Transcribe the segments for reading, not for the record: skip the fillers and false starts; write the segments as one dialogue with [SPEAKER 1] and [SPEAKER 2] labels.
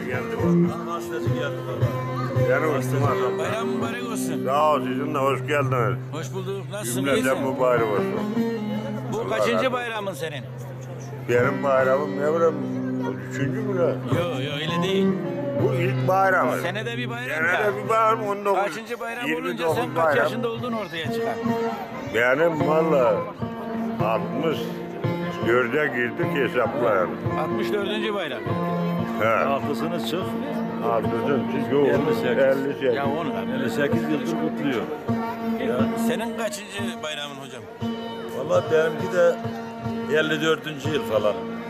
[SPEAKER 1] geldi valla.
[SPEAKER 2] Gazeteci geldi valla.
[SPEAKER 1] Yani uçtum adam.
[SPEAKER 3] Bayram mübarek olsun.
[SPEAKER 1] Sağ ol, sizin de hoş geldiniz.
[SPEAKER 3] Hoş bulduk. Nasılsın?
[SPEAKER 1] Cümleten
[SPEAKER 3] İyisin?
[SPEAKER 1] mübarek olsun.
[SPEAKER 3] Bu kaçıncı bayramın senin?
[SPEAKER 1] Benim bayramım ne bileyim, üçüncü mü lan?
[SPEAKER 3] Yok öyle değil.
[SPEAKER 1] Bu ilk bayramı.
[SPEAKER 3] Senede bir bayram
[SPEAKER 1] Senede
[SPEAKER 3] da.
[SPEAKER 1] bir bayram, 19.
[SPEAKER 3] Kaçıncı bayram
[SPEAKER 1] 29
[SPEAKER 3] olunca sen kaç
[SPEAKER 1] bayram.
[SPEAKER 3] yaşında oldun ortaya çıkar.
[SPEAKER 1] Benim valla 64'e girdik hesaplayalım.
[SPEAKER 3] 64. bayram.
[SPEAKER 1] He.
[SPEAKER 2] Altısını çık.
[SPEAKER 1] Altısın, yok.
[SPEAKER 2] 58.
[SPEAKER 1] 58.
[SPEAKER 3] Ya onu da.
[SPEAKER 2] 58 yıldır kutluyor.
[SPEAKER 3] Senin kaçıncı bayramın hocam?
[SPEAKER 2] Valla benimki de 54. yıl falan.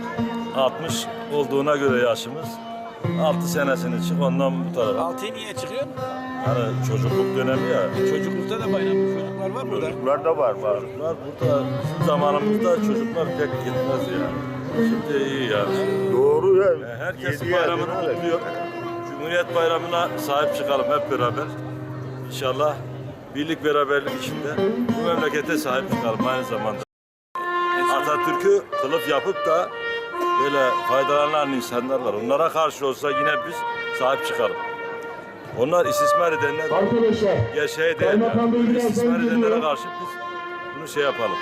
[SPEAKER 2] 60 olduğuna göre yaşımız. 6 senesini çık ondan bu tarafa.
[SPEAKER 3] 6'yı niye çıkıyorsun?
[SPEAKER 2] Hani çocukluk dönemi ya.
[SPEAKER 3] Çocuklukta da bayram. Çocuklar var burada.
[SPEAKER 1] Çocuklar da var.
[SPEAKER 2] Çocuklar burada bizim zamanımızda çocuklar pek gitmez yani. Şimdi iyi yani.
[SPEAKER 1] Doğru ya.
[SPEAKER 2] Herkes
[SPEAKER 1] Yedi
[SPEAKER 2] bayramını
[SPEAKER 1] yaşında.
[SPEAKER 2] kutluyor. Cumhuriyet Bayramı'na sahip çıkalım hep beraber. İnşallah birlik beraberlik içinde bu memlekete sahip çıkalım aynı zamanda. Atatürk'ü kılıf yapıp da böyle faydalanan insanlar var. Onlara karşı olsa yine biz sahip çıkalım. Onlar istismar edenler,
[SPEAKER 4] Arkadaşlar,
[SPEAKER 2] gerçeğe
[SPEAKER 4] Kaymakam Bey'i biraz
[SPEAKER 2] istismar edenlere
[SPEAKER 4] duyuyorum.
[SPEAKER 2] karşı biz bunu şey yapalım.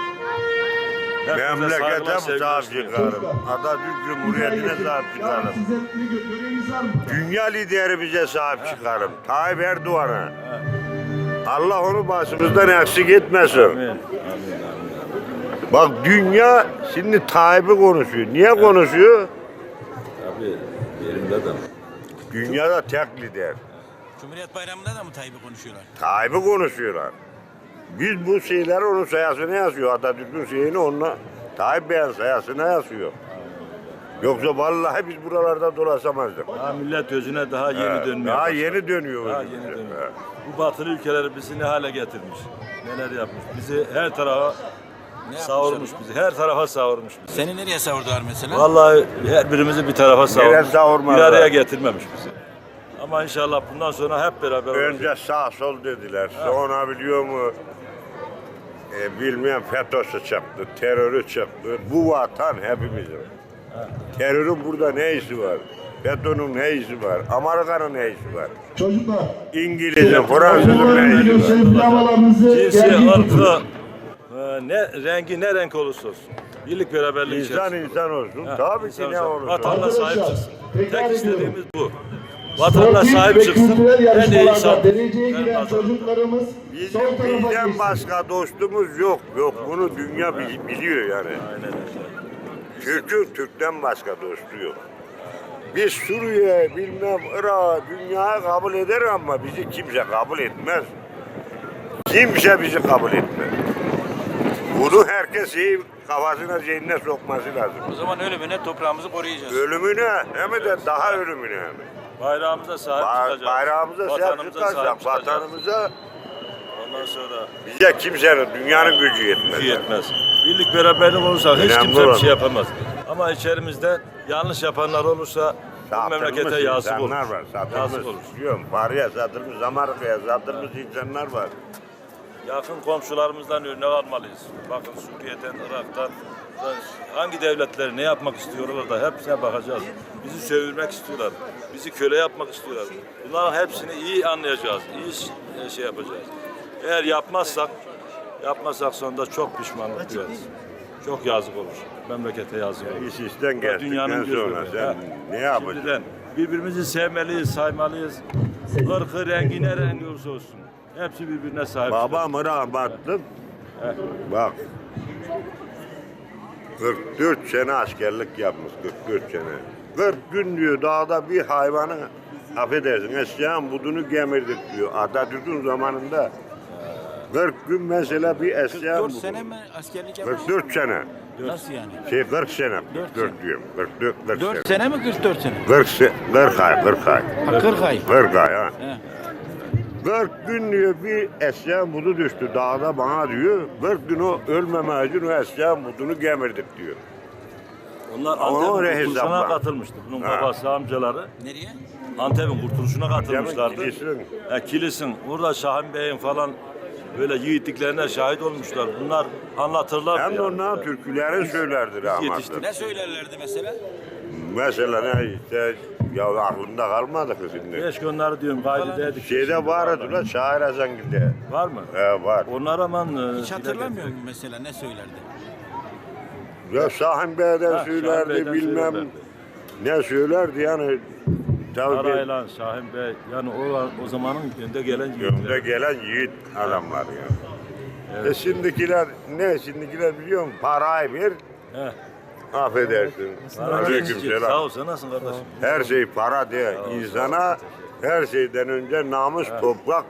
[SPEAKER 2] Hepimize
[SPEAKER 1] Memlekete
[SPEAKER 2] saygılar,
[SPEAKER 1] mi
[SPEAKER 2] sevgiler
[SPEAKER 1] sahip
[SPEAKER 2] sunuyorum.
[SPEAKER 1] çıkarım? Atatürk Cumhuriyeti'ne sahip çıkarım.
[SPEAKER 4] Size bir göreviniz var mı?
[SPEAKER 1] Dünya lideri bize sahip çıkarım. Tayyip Erdoğan'a. Allah onu başımızdan eksik etmesin.
[SPEAKER 2] Amin.
[SPEAKER 1] Bak dünya şimdi Tayyip'i konuşuyor. Niye konuşuyor?
[SPEAKER 2] Abi yerimde de.
[SPEAKER 1] Dünyada tek lider.
[SPEAKER 3] Cumhuriyet Bayramı'nda da mı Tayyip'i konuşuyorlar?
[SPEAKER 1] Tayyip'i konuşuyorlar. Biz bu şeyleri onun sayasına yazıyor. Atatürk'ün şeyini onunla Tayyip Bey'in sayasına yazıyor. Yoksa vallahi biz buralarda dolaşamazdık.
[SPEAKER 2] Daha millet özüne daha yeni dönmeye
[SPEAKER 1] Daha
[SPEAKER 2] başladı.
[SPEAKER 1] yeni dönüyor.
[SPEAKER 2] Daha
[SPEAKER 1] özümüze.
[SPEAKER 2] yeni dönüyor.
[SPEAKER 1] Evet.
[SPEAKER 2] Bu batılı ülkeler bizi ne hale getirmiş. Neler yapmış. Bizi her tarafa savurmuş bizi. Her tarafa savurmuş bizi.
[SPEAKER 3] Seni nereye savurdular mesela?
[SPEAKER 2] Vallahi her birimizi bir tarafa savurmuş.
[SPEAKER 1] savurmadılar?
[SPEAKER 2] Bir araya getirmemiş bizi. Ama inşallah bundan sonra hep beraber olacağız.
[SPEAKER 1] Önce sağ sol dediler. Sonra biliyor mu? Bilmeyen FETÖ'sü çıktı, terörü çıktı. Bu vatan hepimizin. Terörün burada ne işi var? FETÖ'nün ne işi var? Amerika'nın ne işi var?
[SPEAKER 4] Çocuklar,
[SPEAKER 1] İngiliz'in, Fransız'ın ne işi var?
[SPEAKER 4] gösterip havalarınızı
[SPEAKER 2] Cinsi,
[SPEAKER 4] gergin
[SPEAKER 2] ırkı,
[SPEAKER 4] tutun.
[SPEAKER 2] ne rengi ne renk olursa olsun. Birlik beraberlik
[SPEAKER 1] İnsan
[SPEAKER 2] içerisinde.
[SPEAKER 1] insan olsun.
[SPEAKER 2] Ha,
[SPEAKER 1] Tabii
[SPEAKER 2] insan
[SPEAKER 1] ki ne
[SPEAKER 2] olsun.
[SPEAKER 1] olursa.
[SPEAKER 2] Vatanına sahip
[SPEAKER 4] Arkadaşlar,
[SPEAKER 2] çıksın.
[SPEAKER 4] tekrar
[SPEAKER 2] Tek
[SPEAKER 4] ediyorum.
[SPEAKER 2] istediğimiz bu. Vatanına
[SPEAKER 4] Sportif
[SPEAKER 2] sahip
[SPEAKER 4] ve
[SPEAKER 2] çıksın.
[SPEAKER 4] kültürel
[SPEAKER 2] En iyi
[SPEAKER 4] yarışmalarda
[SPEAKER 2] insan.
[SPEAKER 4] dereceye
[SPEAKER 2] Ben
[SPEAKER 4] giren
[SPEAKER 2] kazanırım.
[SPEAKER 4] çocuklarımız
[SPEAKER 1] Bizim
[SPEAKER 4] sol tarafa
[SPEAKER 1] bizden
[SPEAKER 4] geçsin.
[SPEAKER 1] başka dostumuz yok. Yok bunu dünya biliyor yani.
[SPEAKER 2] Aynen öyle.
[SPEAKER 1] Türk'ün Türk'ten başka dostu yok. Biz Suriye, bilmem Irak, dünyayı kabul eder ama bizi kimse kabul etmez. Kimse bizi kabul etmez. Bunu herkes iyi kafasına zihnine sokması lazım.
[SPEAKER 3] O zaman ölümüne toprağımızı koruyacağız.
[SPEAKER 1] Ölümüne hem de daha ölümüne hem.
[SPEAKER 2] Bayrağımıza sahip çıkacağız.
[SPEAKER 1] Bayrağımıza sahip
[SPEAKER 2] Vatanımıza sahip
[SPEAKER 1] çıkarsak
[SPEAKER 2] çıkacağız.
[SPEAKER 1] vatanımıza
[SPEAKER 2] Ondan sonra
[SPEAKER 1] bize kimsenin, dünyanın gücü yetmez.
[SPEAKER 2] gücü yetmez. Birlik beraberlik olursa hiç
[SPEAKER 1] Önemli
[SPEAKER 2] kimse bir
[SPEAKER 1] olan.
[SPEAKER 2] şey yapamaz. Ama içerimizde yanlış yapanlar olursa bu
[SPEAKER 1] Satılmış
[SPEAKER 2] memlekete yazık olur.
[SPEAKER 1] insanlar var, satılmış.
[SPEAKER 2] Yazık olur.
[SPEAKER 1] Biliyorum, Paris'e satılmış, Amerika'ya satılmış insanlar var.
[SPEAKER 2] Yakın komşularımızdan örnek almalıyız. Bakın Suriye'den, Irak'tan hangi devletler ne yapmak istiyorlar da hepsine bakacağız. Bizi sömürmek istiyorlar. Bizi köle yapmak istiyorlar. Bunların hepsini iyi anlayacağız. İyi şey yapacağız. Eğer yapmazsak sonunda çok pişmanlık duyarız. Çok yazık olur. Memlekete yazık olur.
[SPEAKER 1] İş işten
[SPEAKER 2] Dünyanın
[SPEAKER 1] geçtikten
[SPEAKER 2] gözü
[SPEAKER 1] sonra
[SPEAKER 2] önünde.
[SPEAKER 1] sen
[SPEAKER 2] Ha.
[SPEAKER 1] ne yapacaksın?
[SPEAKER 2] Şimdiden birbirimizi sevmeliyiz, saymalıyız. Irkı, rengi ne rengi olursa olsun. Hepsi birbirine sahip.
[SPEAKER 1] Babamı rahmetli, bak 44 sene askerlik yapmış, 44 sene. 40 gün diyor dağda bir hayvanı, affedersin eşeğin budunu gemirdik diyor. Atatürk'ün zamanında 40 gün mesela bir eşeğin
[SPEAKER 3] 4
[SPEAKER 1] budu.
[SPEAKER 3] sene mi askerlik yapmış?
[SPEAKER 1] 44 sene.
[SPEAKER 3] Nasıl yani?
[SPEAKER 1] 40 sene.
[SPEAKER 3] 4
[SPEAKER 1] 44 diyorum. 44 40 sene.
[SPEAKER 3] 4 sene mi 44 sene?
[SPEAKER 1] 40 ay, 40 ay.
[SPEAKER 3] Ha, 40 ay.
[SPEAKER 1] 40 ay ha.
[SPEAKER 3] He.
[SPEAKER 1] 40 gün diyor bir eşeğin budu düştü dağda bana diyor. 40 gün o ölmeme için o eşeğin budunu gemirdik diyor.
[SPEAKER 2] Onlar
[SPEAKER 1] Ama
[SPEAKER 2] Antep'in
[SPEAKER 1] oraya
[SPEAKER 2] kurtuluşuna
[SPEAKER 1] hesapla.
[SPEAKER 2] katılmıştı. Bunun
[SPEAKER 1] Ha.
[SPEAKER 2] babası, amcaları
[SPEAKER 3] Nereye?
[SPEAKER 2] Antep'in kurtuluşuna katılmışlardı.
[SPEAKER 1] Kilisin.
[SPEAKER 2] Kilisin. Orada Şahin Bey'in falan böyle yiğitliklerine şahit olmuşlar. Bunlar anlatırlar.
[SPEAKER 1] Hem de onların türkülerini söylerdi rahmetli.
[SPEAKER 2] yetiştik.
[SPEAKER 3] Ne söylerlerdi mesela?
[SPEAKER 1] Mesela ne işte Ya aklımda kalmadı ki şimdi.
[SPEAKER 2] Keşke onları diyorum kaydederdik.
[SPEAKER 1] Şeyde vardı la Şair Hazangil'de.
[SPEAKER 2] Var mı?
[SPEAKER 1] Var.
[SPEAKER 2] Onlar aman
[SPEAKER 3] Hiç hatırlamıyor musun mesela ne söylerdi?
[SPEAKER 1] Ya Şahin Bey'den
[SPEAKER 2] Ha,
[SPEAKER 1] söylerdi
[SPEAKER 2] Şahin Bey'den
[SPEAKER 1] bilmem
[SPEAKER 2] söylerdi.
[SPEAKER 1] ne söylerdi yani. Tabii
[SPEAKER 2] Araylan, Şahin Bey, yani o zamanın önde gelen
[SPEAKER 1] önde
[SPEAKER 2] yiğitler.
[SPEAKER 1] gelen yiğit adamlar ya. Şimdikiler ne? Şimdikiler biliyor musun? Parayı bir
[SPEAKER 2] He.
[SPEAKER 1] affedersin. Aleykümselam.
[SPEAKER 2] Sağ ol, sen nasılsın kardeşim?
[SPEAKER 1] Her şey para diye insana her şeyden önce namus, toprak.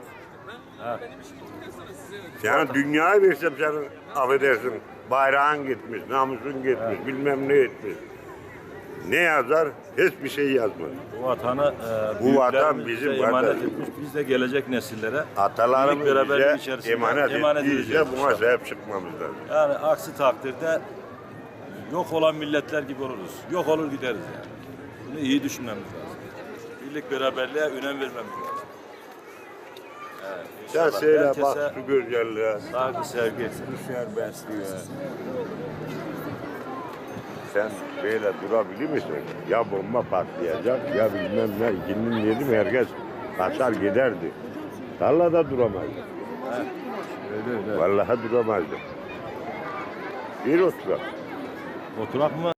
[SPEAKER 1] Yani dünyayı versem senin affedersin bayrağın gitmiş, namusun gitmiş, bilmem ne etmiş. Ne yazar? Hiçbir şey yazmaz.
[SPEAKER 2] Bu vatanı
[SPEAKER 1] Bu
[SPEAKER 2] büyüklerimiz
[SPEAKER 1] vatan bizim
[SPEAKER 2] bize emanet
[SPEAKER 1] kardeşim.
[SPEAKER 2] etmiş. Biz de gelecek nesillere
[SPEAKER 1] Atalarımız
[SPEAKER 2] birlik beraberlik
[SPEAKER 1] bize
[SPEAKER 2] içerisinde
[SPEAKER 1] emanet ettiyse
[SPEAKER 2] edeceğiz
[SPEAKER 1] buna
[SPEAKER 2] inşallah.
[SPEAKER 1] sahip çıkmamız lazım.
[SPEAKER 2] Yani aksi takdirde yok olan milletler gibi oluruz. Yok olur gideriz yani. Bunu iyi düşünmemiz lazım. Birlik beraberliğe önem vermemiz lazım. Evet,
[SPEAKER 1] Sen
[SPEAKER 2] inşallah
[SPEAKER 1] söyle
[SPEAKER 2] herkese
[SPEAKER 1] bak şu güzelliğe.
[SPEAKER 2] saygı, sevgi.
[SPEAKER 1] Sen böyle durabilir misin? Ya bomba patlayacak ya bilmem ne. İkinin dedim herkes kaçar giderdi. Tarlada duramazdı.
[SPEAKER 2] Öyle öyle.
[SPEAKER 1] Vallahi duramazdı. Bir oturak.
[SPEAKER 2] Oturak mı?